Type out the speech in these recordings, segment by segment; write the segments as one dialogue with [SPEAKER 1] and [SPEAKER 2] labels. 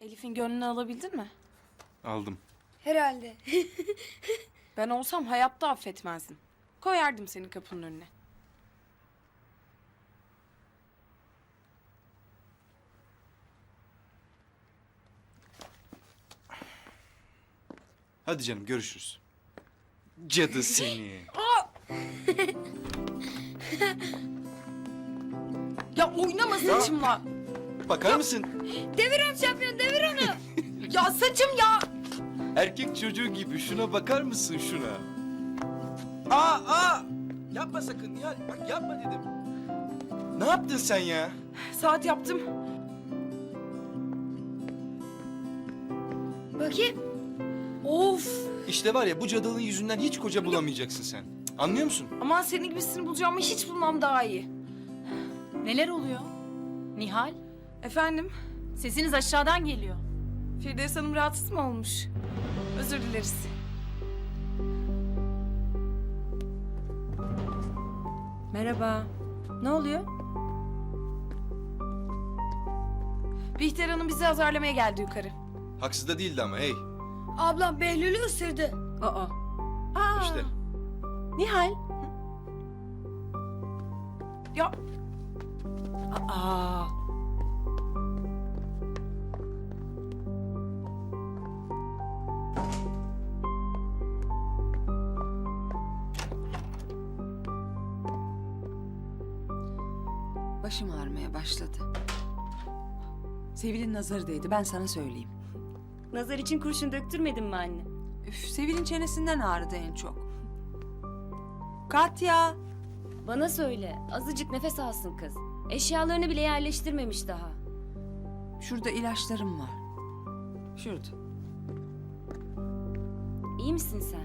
[SPEAKER 1] Elif'in gönlünü alabildin mi?
[SPEAKER 2] Aldım.
[SPEAKER 3] Herhalde.
[SPEAKER 1] Ben olsam hayatta affetmezdim. Koyardım seni kapının önüne.
[SPEAKER 2] Hadi canım görüşürüz. Cadı seni.
[SPEAKER 1] Ya oynama saçımla.
[SPEAKER 2] Bakar mısın?
[SPEAKER 3] Devir onu şampiyon, devir onu.
[SPEAKER 1] Ya saçım ya.
[SPEAKER 2] Erkek çocuğu gibi şuna bakar mısın şuna? Aa! Yapma sakın ya. Bak yapma dedim. Ne yaptın sen ya?
[SPEAKER 1] Saat yaptım.
[SPEAKER 3] Bakayım.
[SPEAKER 1] Of.
[SPEAKER 2] İşte var ya bu cadılığın yüzünden hiç koca bulamayacaksın sen. Anlıyor musun?
[SPEAKER 1] Aman senin gibisini bulacağımı hiç bulmam daha iyi.
[SPEAKER 4] Neler oluyor? Nihal,
[SPEAKER 1] Efendim?
[SPEAKER 4] sesiniz aşağıdan geliyor.
[SPEAKER 1] Firdevs Hanım rahatsız mı olmuş? Özür dileriz.
[SPEAKER 5] Merhaba. Ne oluyor?
[SPEAKER 1] Bihter Hanım bizi azarlamaya geldi yukarı.
[SPEAKER 2] Haksız da değildi ama hey.
[SPEAKER 3] Ablam Behlül'ü ısırdı.
[SPEAKER 5] Aa. Aa.
[SPEAKER 2] İşte.
[SPEAKER 5] Nihal.
[SPEAKER 1] Ya
[SPEAKER 5] Aa. Başım ağrımaya başladı. Sevil'in nazarı değdi, ben sana söyleyeyim.
[SPEAKER 6] Nazar için kurşun döktürmedin mi anne?
[SPEAKER 5] Üf, Sevil'in çenesinden ağrıdı en çok. Katya.
[SPEAKER 6] Bana söyle, azıcık nefes alsın kız. Eşyalarını bile yerleştirmemiş daha.
[SPEAKER 5] Şurada ilaçlarım var. Şurada.
[SPEAKER 6] İyi misin sen?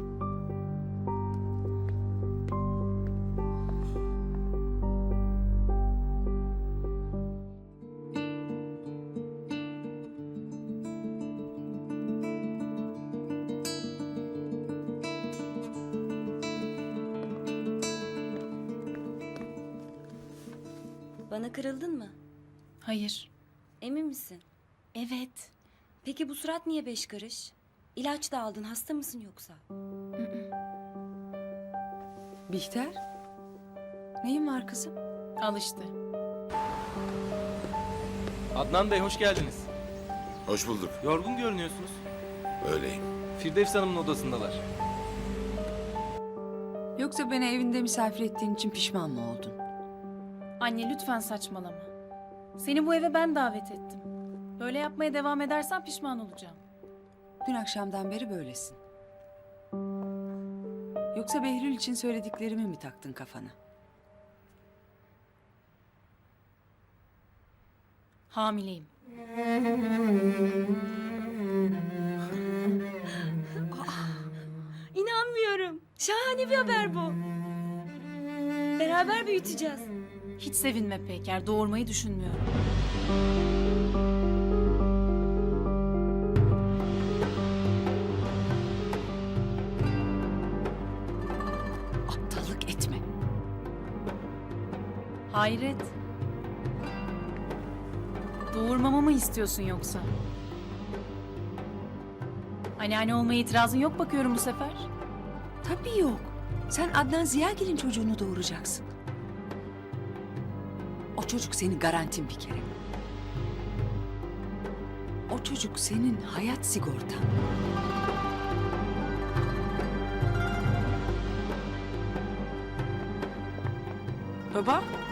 [SPEAKER 6] Bana kırıldın mı?
[SPEAKER 4] Hayır.
[SPEAKER 6] Emin misin?
[SPEAKER 4] Evet.
[SPEAKER 6] Peki bu surat niye 5 karış? İlaç da aldın, hasta mısın yoksa?
[SPEAKER 5] Bihter. Neyin var kızım?
[SPEAKER 4] Al işte.
[SPEAKER 7] Adnan Bey hoş geldiniz.
[SPEAKER 8] Hoş bulduk.
[SPEAKER 7] Yorgun görünüyorsunuz.
[SPEAKER 8] Öyleyim.
[SPEAKER 7] Firdevs Hanım'ın odasındalar.
[SPEAKER 5] Yoksa beni evinde misafir ettiğin için pişman mı oldun?
[SPEAKER 4] Anne lütfen saçmalama. Seni bu eve ben davet ettim. Böyle yapmaya devam edersen pişman olacağım.
[SPEAKER 5] Dün akşamdan beri böylesin. Yoksa Behlül için söylediklerimi mi taktın kafana?
[SPEAKER 4] Hamileyim.
[SPEAKER 6] İnanmıyorum. Şahane bir haber bu. Beraber büyüteceğiz.
[SPEAKER 4] Hiç sevinme Peyker. Doğurmayı düşünmüyorum.
[SPEAKER 5] Aptallık etme.
[SPEAKER 4] Hayret. Doğurmamı mı istiyorsun yoksa? Anneanne olmaya itirazın yok bakıyorum bu sefer.
[SPEAKER 5] Tabii yok. Sen Adnan Ziyagil'in çocuğunu doğuracaksın. O çocuk senin garantin bir kere. O çocuk senin hayat sigortan.
[SPEAKER 1] baba